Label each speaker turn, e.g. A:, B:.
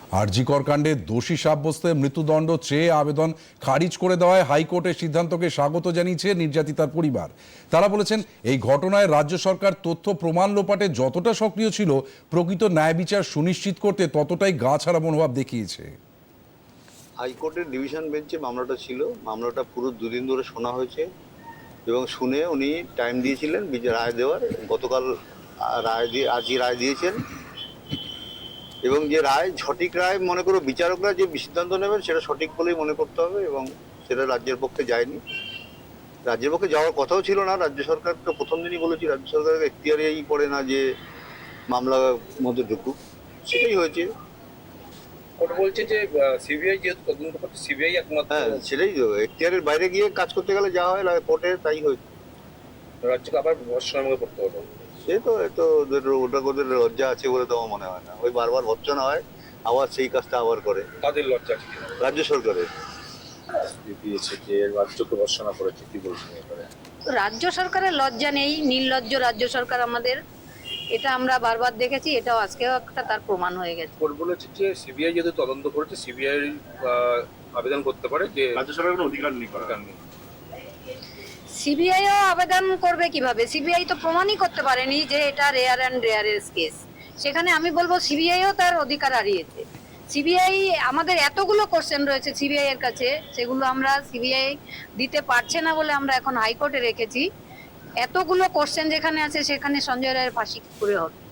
A: আরজি কর কাণ্ডে দোষী সাব্যস্তে মৃত্যুদণ্ড চেয়ে আবেদন খারিজ করে দেওয়ায় হাইকোর্টের সিদ্ধান্তকে স্বাগত জানিয়েছে নির্যাতিতার পরিবার। তারা বলেছেন, এই ঘটনায় রাজ্য সরকার তথ্য প্রমাণ লোপাটে যতটা সক্রিয় ছিল, প্রকৃত ন্যায় বিচার সুনিশ্চিত করতে ততটাই গা ছাড়া মনোভাব দেখিয়েছে।
B: হাইকোর্টের ডিভিশন বেঞ্চে মামলাটা ছিল। মামলাটা পুরো দুদিন ধরে শোনা হয়েছে এবং শুনে উনি টাইম দিয়েছিলেন রায় দেওয়ার। গতকাল আজই রায় দিয়েছেন এবং যে রায় সঠিক রায় মনে করো, বিচারকরা যে সিদ্ধান্ত নেবেন সেটা সঠিক বলেই মনে করতে হবে এবং সেটা রাজ্যের পক্ষে যায়নি। রাজ্যের পক্ষে যাওয়ার কথাও ছিল না। রাজ্য সরকার তো প্রথম দিনই বলেছি রাজ্য সরকারের এখতিয়ারেই পড়ে না যে মামলা মধ্যে ঢুকুক, সেটাই হয়েছে।
C: কোর্ট বলছে যে সিবিআই যেহেতু তদন্ত করছে, সিবিআই একমাত্র।
B: হ্যাঁ, সেটাই তো, এখতিয়ারের বাইরে গিয়ে কাজ করতে গেলে যা হয় কোর্টে তাই হয়েছে।
C: রাজ্যকে আবার ভর্সনার মধ্যে করতে হলো।
B: সে তো এত ওদের লজ্জা আছে বলে তো আমার মনে হয় না। ওই বারবার ভর্সনা হয়, আবার সেই কাজটা আবার করে।
C: তাদের লজ্জা আছে কিনা?
B: রাজ্য সরকারের
C: দিয়েছে যে রাজ্যকে ভর্সনা করেছে, কি বলছেন এবারে?
D: রাজ্য সরকারের লজ্জা নেই, নির্লজ্জ রাজ্য সরকার আমাদের, এটা আমরা বারবার দেখেছি, এটাও আজকেও একটা তার প্রমাণ হয়ে গেছে।
C: কোর্ট বলেছে যে সিবিআই যেহেতু তদন্ত করেছে, সিবিআই আবেদন করতে পারে যে রাজ্য সরকারের কোনো অধিকার নেই।
D: সিবিআইও আবেদন করবে কিভাবে? সিবিআই তো প্রমাণই করতে পারেনি যে এটা রেয়ার অ্যান্ড রেয়ারেস্ট কেস। সেখানে আমি বলবো সিবিআইও তার অধিকার হারিয়েছে। সিবিআই, আমাদের এতগুলো কোশ্চেন রয়েছে সিবিআই এর কাছে, সেগুলো আমরা সিবিআই দিতে পারছে না বলে আমরা এখন হাইকোর্টে রেখেছি। এতগুলো কোশ্চেন যেখানে আছে সেখানে সঞ্জয় রায়ের ফাঁসি করে হবে।